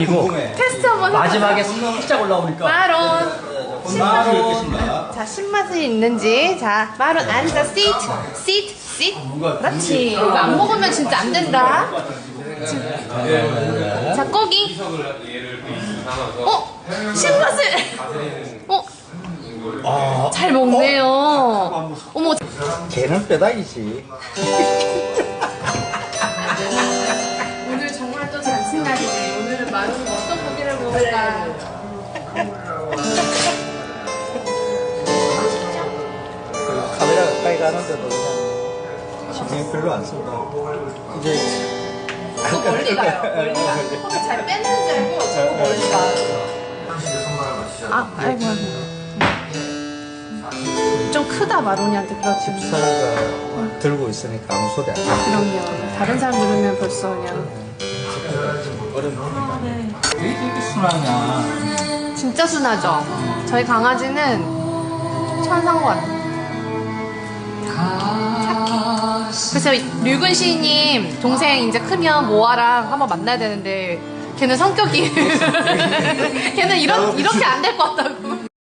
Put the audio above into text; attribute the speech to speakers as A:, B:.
A: 이거
B: 테스트 한번
A: 마지막에 살짝 올라오니까
B: 마론
C: 맛이 있겠습니다.
B: 자 신맛이 있는지 자 마론 앉아 sit 그렇지 이거 안 먹으면 진짜 안 된다 자 고기 신맛을 잘 먹네요 어머
A: 걔는 뼈다귀지.
B: 오늘 정말 또 잔칫날이네 오늘은 마론이 어떤 고기를 먹을까
A: 카메라 가까이 가는데도 그냥 신경 별로 안 쓴다. 이제
B: 또 멀리 가요 멀리 가 거기 잘 뺏는 줄 알고 자꾸 멀리 가 아이고 좀 크다 마론이한테 그렇지
A: 집사가 들고 있으니까 아무 소리 안 해.
B: 그럼요 다른 사람 들으면 벌써 그냥
A: 되게 순하냐.
B: 진짜 순하죠 저희 강아지는 천사인 것 같아요 그래서 류근 시인님 동생 이제 크면 모아랑 한번 만나야 되는데 걔는 성격이 걔는 이렇게 안 될 것 같다고